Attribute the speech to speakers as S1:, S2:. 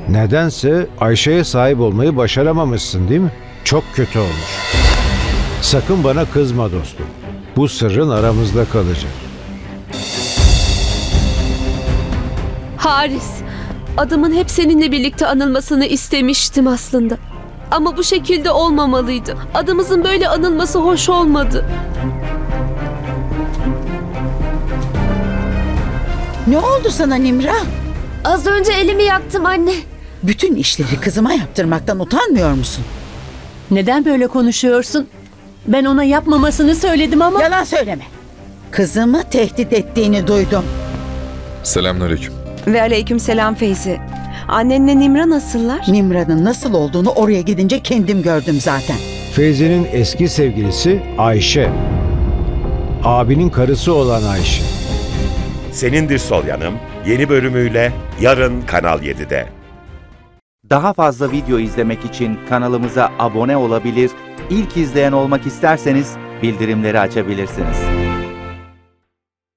S1: Nedense Ayşe'ye sahip olmayı başaramamışsın değil mi? Çok kötü olmuş. Sakın bana kızma dostum. Bu sırrın aramızda kalacak.
S2: Haris, adımın hep seninle birlikte anılmasını istemiştim aslında. Ama bu şekilde olmamalıydı. Adımızın böyle anılması hoş olmadı.
S3: Ne oldu sana Nimra?
S2: Az önce elimi yaktım anne.
S3: Bütün işleri kızıma yaptırmaktan utanmıyor musun?
S4: Neden böyle konuşuyorsun? Ben ona yapmamasını söyledim ama...
S3: Yalan söyleme. Kızımı tehdit ettiğini duydum.
S5: Selamünaleyküm.
S6: Ve aleykümselam Feyzi. Annenle Nimra nasıllar?
S3: Nimra'nın nasıl olduğunu oraya gidince kendim gördüm zaten.
S1: Feyzi'nin eski sevgilisi Ayşe. Abinin karısı olan Ayşe.
S7: Senindir Sol Yanım yeni bölümüyle yarın Kanal 7'de.
S8: Daha fazla video izlemek için kanalımıza abone olabilir, ilk izleyen olmak isterseniz bildirimleri açabilirsiniz.